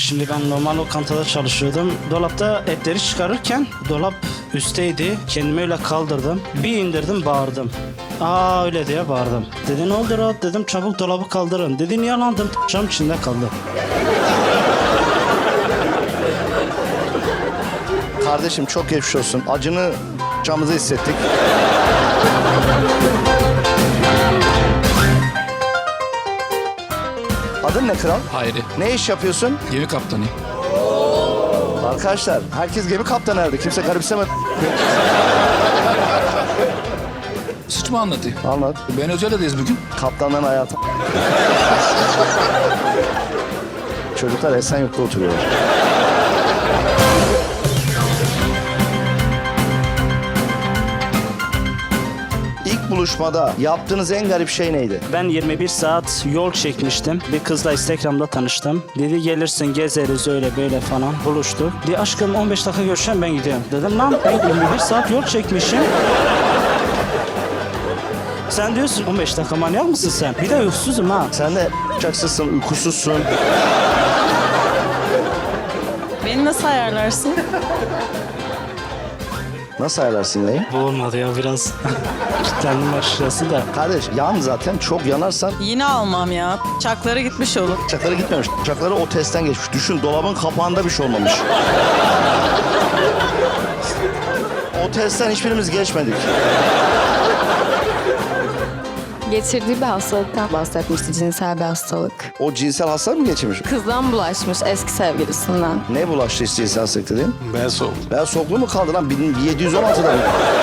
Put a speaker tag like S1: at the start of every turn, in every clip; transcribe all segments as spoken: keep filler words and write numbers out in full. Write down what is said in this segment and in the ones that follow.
S1: Şimdi ben normal lokantada çalışıyordum. Dolapta etleri çıkarırken dolap üstteydi. Kendimi öyle kaldırdım. Bir indirdim, bağırdım. Aa öyle diye bağırdım. Dedi ne oldu Rahat, dedim çabuk dolabı kaldırın. Dedi niye lan, dedim cam içinde kaldı.
S2: Kardeşim çok geçmiş olsun. Acını camımıza hissettik. Adın ne kral?
S3: Hayri.
S2: Ne iş yapıyorsun?
S3: Gemi kaptanı.
S2: Arkadaşlar herkes gemi kaptanı herhalde. Kimse garipsemedi.
S3: Suç mu anlatayım?
S2: Anlat.
S3: Ben Özel'deyiz bugün.
S2: Kaptanların hayatı. Çocuklar Esenyurt'ta oturuyorlar. İlk buluşmada yaptığınız en garip şey neydi?
S1: Ben yirmi bir saat yol çekmiştim. Bir kızla Instagram'da tanıştım. Dedi gelirsin gezeriz öyle böyle falan. Buluştuk. Dedi aşkım on beş dakika görüşeceğim, ben gidiyorum. Dedim lan ben yirmi bir saat yol çekmişim. Sen diyorsun on beş dakika, manyak mısın sen? Bir de uykusuzum ha.
S2: Sen de çaksızsın, uykusuzsun.
S4: Beni nasıl ayarlarsın?
S2: Nasıl ayarlarsın neyi?
S1: Bu olmadı ya, biraz kilitlendim açıkçası da.
S2: Kardeş yan zaten, çok yanarsan
S4: Yine almam ya. Çakları gitmiş olur.
S2: çakları gitmemiş. Çakları o testten geçmiş. Düşün, dolabın kapağında bir şey olmamış. O testten hiçbirimiz geçmedik.
S5: Geçirdiği bir hastalıktan bahsetmişti, cinsel bir hastalık.
S2: O cinsel hastalık mı geçirmiş?
S5: Kızdan bulaşmış, eski sevgilisinden.
S2: Ne bulaştı işte cinsel hastalık dediğin?
S3: Ben soğuk.
S2: Ben soklu mu kaldı lan? bin yedi yüz on altıda mı?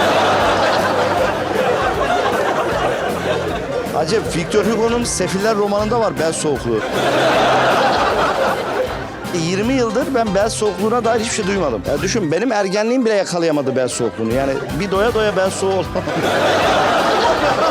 S2: Acep, Victor Hugo'nun Sefiller romanında var bel soğukluğu. yirmi yıldır ben bel soğukluğuna dair hiçbir şey duymadım. Ya düşün, benim ergenliğim bile yakalayamadı bel soğukluğunu. Yani bir doya doya bel soğuğu olmadı.